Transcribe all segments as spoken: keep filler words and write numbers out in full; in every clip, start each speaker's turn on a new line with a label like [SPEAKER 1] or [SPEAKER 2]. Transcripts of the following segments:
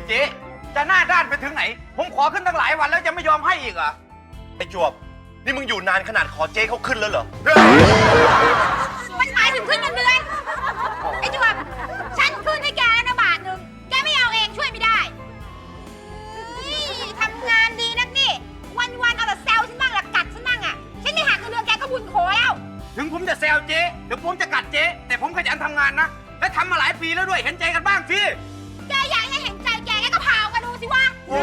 [SPEAKER 1] เจ๊จะหน้าด้านไปถึงไหนผมขอขึ้นตั้งหลายวันแล้วจะไม่ยอมให้อีกเหรอไอ้จวบนี่มึงอยู่นานขนาดขอเจ๊เขาขึ้นแล้วเหรอ
[SPEAKER 2] มันหมายถึงขึ้นเงินเดือนไอ้จวบฉันขึ้นให้แกแล้วนะบาทหนึ่งแกไม่เอาเองช่วยไม่ได้ทำงานดีนักนี่วันๆเอาแต่แซวฉันบ้างละกัดฉันบ้างอ่ะฉันไม่หักเงินเดือนแกก็บุญโขแล้วถึงผมจะแซวเจ๊ถึงผมจะกัดเจ๊แต่ผมขยันทำงานนะและทำมาหลายปีแล้วด้วยเห็นใจกันบ้างสิแกอยากให้เห็นใจแกแกก็พาวกันดูสิวะ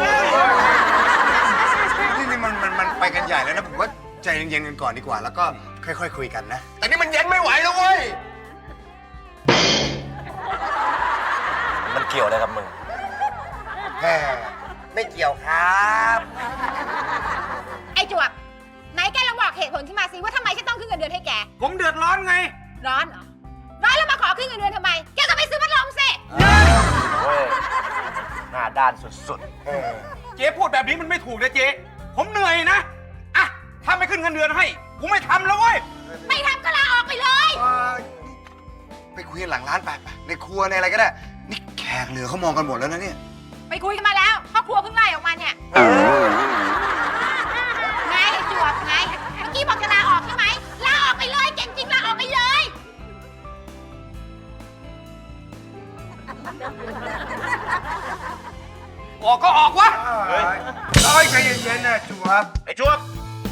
[SPEAKER 3] นี่นี่มันมันมันไปกันใหญ่แล้วนะผมว่าใจเย็นๆกันก่อนดีกว่าแล้วก็ค่อยๆคุยกันนะแต่นี่มันเย็นไม่ไหวแล้วเว้ย
[SPEAKER 1] มันเกี่ยวอะไรกับมึง
[SPEAKER 3] แม่ไม่เกี่ยวครับ
[SPEAKER 2] ไอ้จวบไหนแกลองบอกเหตุผลขึ้นมาสิว่าทำไมฉันต้องขึ้นเงินเดือนให้แก
[SPEAKER 1] ผมเดือดร้อนไง
[SPEAKER 2] ร้อนเหรอร้อนแล้วมาขอขึ้นเงินเดือนทำไมแกก็ไปซื้อพัดลมสิ
[SPEAKER 1] เว้ยหน้าด้านสุดๆเจ๊พูดแบบนี้มันไม่ถูกนะเจ๊ผมเหนื่อยนะอ่ะถ้าไม่ขึ้นเงินเดือนให้กูไม่ทำแล้วเว้ย
[SPEAKER 2] ไม่ทำก็ลาออกไปเลย
[SPEAKER 3] ไปคุยกันหลังร้านไปไปในครัวในอะไรก็ได้นี่แขกเหลือเขามองกันหมดแล้วนะเนี่ย
[SPEAKER 2] ไปคุยกันมาแล้วพ่อครัวเพิ่งไล่ออกมาเนี่ยไงจวบไงเมื่อกี้บอกจะลาออกใช่ไหมลาออกไปเลยเก่งจริงลาออกไปเลย
[SPEAKER 1] ออกก็ออกวะ
[SPEAKER 3] เฮ้ยเฮ้ยใจเย็นๆนะจวบ
[SPEAKER 1] ไอ้จวบ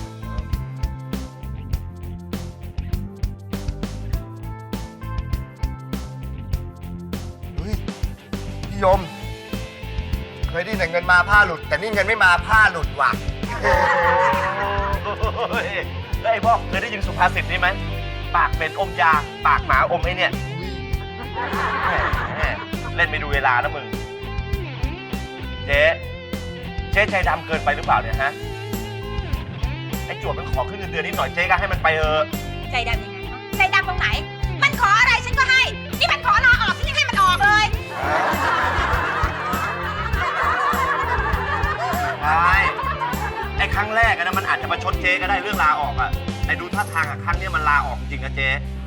[SPEAKER 3] เฮ้ยพี่ยมเคยได้แต่เงินมาผ้าหลุดแต่นี่เงินไม่มาผ้าหลุดว่ะ
[SPEAKER 1] เฮ้ยไอ้พ่อเคยได้ยินสุภาษิตนี้ไหมปากเป็นอมยาปากหมาอมไอ้เนี่ยเล่นไม่ดูเวลานะมึงเจ๊เจ๊ใจดำเกินไปหรือเปล่าเนี่ยฮะไอ้จวบมันขอขึ้นเงินเดือนนิดหน่อยเจ๊ก็ให้มันไปเออ
[SPEAKER 2] ใจดำยังไงใจดำตรงไหนมันขออะไรฉันก็ให้นี่มันขอลาออกฉันยังให้มันออกเลย
[SPEAKER 1] ใช่ไอ้ครั้งแรกนะมันอาจจะมาชดเจ๊ก็ได้เรื่องลาออกอะแต่ดูท่าทางอะครั้งนี้มันลาออกจริงนะเจ๊